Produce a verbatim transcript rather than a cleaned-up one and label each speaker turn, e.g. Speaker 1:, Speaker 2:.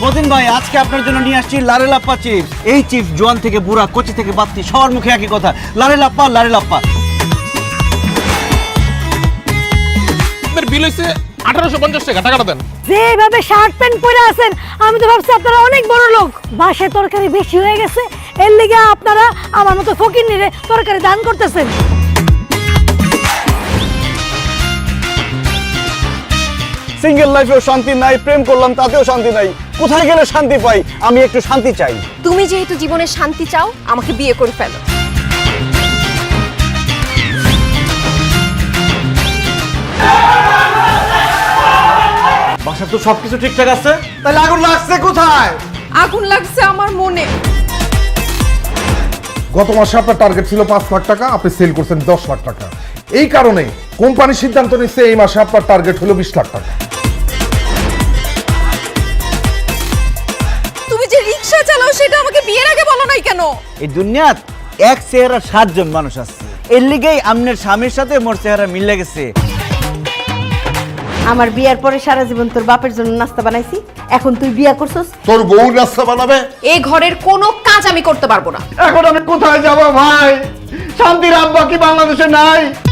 Speaker 1: মতিন ভাই আজকে আপনার জন্য নিয়ে আসছি লারে লাপ্পা চিপস। এই চিপস জোয়ান থেকে বুড়া, কচি থেকে বাত্তি সবার মুখে একই কথা, লারে লাপ্পা লারে লাপ্পা।
Speaker 2: আপনার বিল হইছে আঠারোশো পঞ্চাশ টাকা, টাকাটা দেন।
Speaker 3: যেভাবে শার্ট প্যান্ট পরে আছেন আমি তো ভাবছি আপনারা অনেক বড় লোক। বাসায় তরকারি বেশি হয়ে গেছে, এর লিগে আপনারা আমার মতো ফকির নিরে তরকারি দান করতেছেন।
Speaker 1: সিঙ্গেল লাইফেও শান্তি নাই, প্রেম করলাম তাতেও শান্তি নাই, কোথায় গেলে শান্তি পাই? আমি একটু শান্তি চাই।
Speaker 4: তুমি যেহেতু জীবনে শান্তি চাও, আমাকে বিয়ে করে ফেলো।
Speaker 1: বাসার তো সবকিছু ঠিকঠাক আছে, তাহলে আগুন লাগছে কোথায়?
Speaker 4: আগুন লাগছে আমার মনে।
Speaker 5: গত মাসে আপনার টার্গেট ছিল পাঁচ লাখ টাকা, আপনি সেল করছেন দশ লাখ টাকা। এই কারণে কোম্পানি সিদ্ধান্ত নিচ্ছে এই মাসে আপনার টার্গেট হলো বিশ লাখ টাকা।
Speaker 4: তুমি যে রিকশা চালাও সেটা আমাকে বিয়ের আগে বলো নাই কেন?
Speaker 1: এই দুনিয়াত এক চেহারা সাতজন মানুষ আছে, এর লিগেই আমনের স্বামীর সাথে মোর চেহারা মিলে গেছে।
Speaker 6: আমার বিয়ার পরে সারা জীবন তোর বাপের জন্য নাস্তা বানাইছি, এখন তুই বিয়া করছস
Speaker 5: তোর বউ নাস্তা বানাবে?
Speaker 4: এই ঘরের কোনো কাজ আমি করতে পারবো না।
Speaker 1: এখন আমি কোথায় যাব ভাই? শান্তির আব্বা কি বাংলাদেশে নাই?